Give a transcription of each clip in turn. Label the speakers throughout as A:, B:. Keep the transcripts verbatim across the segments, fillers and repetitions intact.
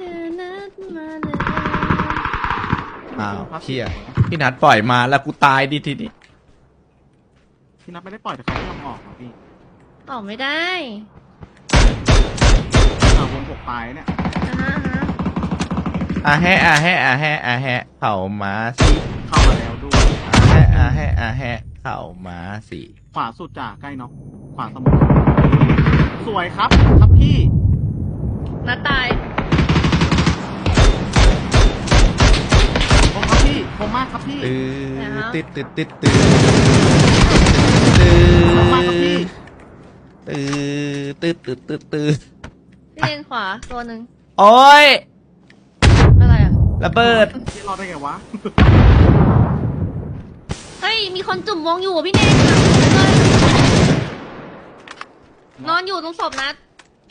A: อนัดมาเลย
B: อ้าวเชี่ยพี่นัดปล่อยมาแล้วกูตายดิทีนี้
C: พี่นัทไม่ได้ปล่อยแต่เขาไม่ยอมออกเหรอพี่
A: ออกไม่ได้
C: เอาวงหกตายเนี่ย
A: นะฮะฮะ
B: อ่ะแฮะอ่ะแฮะอ่ะแฮะอ่ะแฮะเข่ามาสิ
C: เข้ามาแล้วด้วย
B: อ่ะแฮะอ่ะแฮะอ่ะแฮะเข่ามาสิ
C: ขวาสุดจ่าใกล้น็อกขวาสมุทรสวยครับครับพี่
A: นัดตาย
C: ผมครับพี่ผมมากครับพี่
B: ตื้อติดติดติดตื้อตื้อ
C: ผมมากครับพี่
B: ตื้อตื้อตื้อตื้อตื้อ
A: พี่เลนขวาตัวหนึ่ง
B: โอ้ย
A: อะไรอ่ะ
B: ระเบิด
C: พี่รอดได้ไงวะ
A: เฮ้ยมีคนจุ่มวงอยู่อ่ะพี่เนนเลยนอนอยู่ตรงศพนัด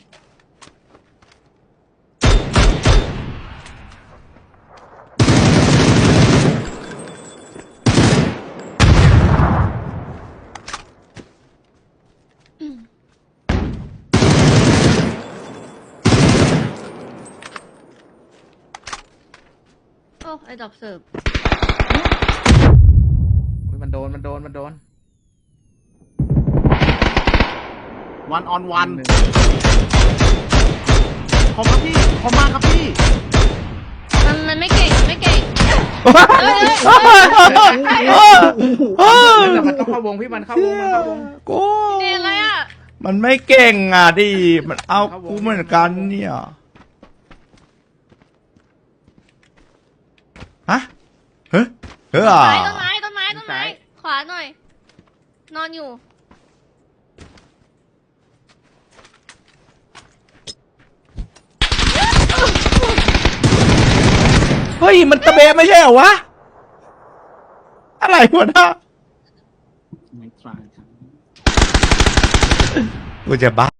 A: โอ้ไอ้ดอกเสิร์ฟ
B: มันโดนมันโดนมันโดน
C: วันออนวันผมครับพี่ผมมากครับพี่
A: มันมันไม่เก่งมันไม่เก่ง เฮ้ย
D: แต่มันต้องเข้าวงพี่มันเข้าวงมันเข้าวง
B: กู
A: พี่เนนอะไรอ่ะ
B: มันไม่เก่งอ่ะดิมันเอากูเหมือนกันเนี่ยฮะเฮ้ยเฮ้ยอ่ะ
A: ต้นไม้ต้นไม้ต้นไม้ต้นไม้ขวาหน่อย นอนอยู่
B: เฮ้ยมันตะเบะไม่ใช่เหรอวะอะไรวะนะ
C: ไม่ตรายครับ
B: กูจะบ้า